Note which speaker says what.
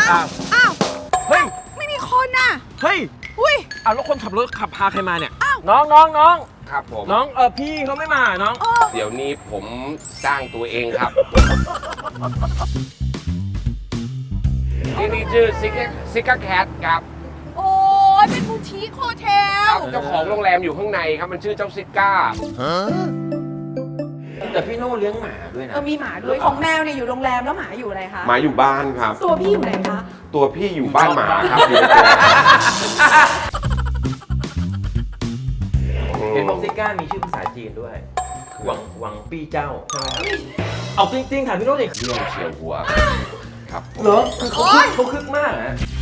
Speaker 1: อ้าวเฮ้ย
Speaker 2: ไม่มีคนน่ะ
Speaker 1: เฮ้ย
Speaker 2: อุ้ย
Speaker 1: เอาแล้วคนขับรถขับพาใครมาเนี่ย
Speaker 2: อ้าว
Speaker 1: น้อง
Speaker 3: ครับผม
Speaker 1: น้องพี่เขาไม่มาน้อง
Speaker 3: เดี๋ยวนี้ผมจ้างตัวเองครับ ที่นี่ชื่อซิกาแคทครับ
Speaker 2: โอ้ยเป็นบูติคโฮเทล
Speaker 3: เจ้าของโรงแรมอยู่ข้างในครับมันชื่อเจ้าซิก้า
Speaker 1: แต่พี่โน่เลี้ยงหมาด้วยนะ
Speaker 2: มีหมาด้วยของแมวเนี่ยอยู่โรงแรมแล้วหมาอยู่อะไรคะ
Speaker 3: หมาอยู่บ้านครับ
Speaker 2: ตัวพี่อยู่ไหนคะ
Speaker 3: ตัวพี่อยู่บ้านหมาครับอยู่ในตัว
Speaker 1: เห็นบอกซิก้ามีชื่อภาษาจีนด้วย หวังปี้เจ้าใช่ไหมเอาจริงๆถามพี่โน่ดิ
Speaker 3: เรื่องเฉียวหัวครับผม
Speaker 1: เหรอคือเขาคึกมากนะ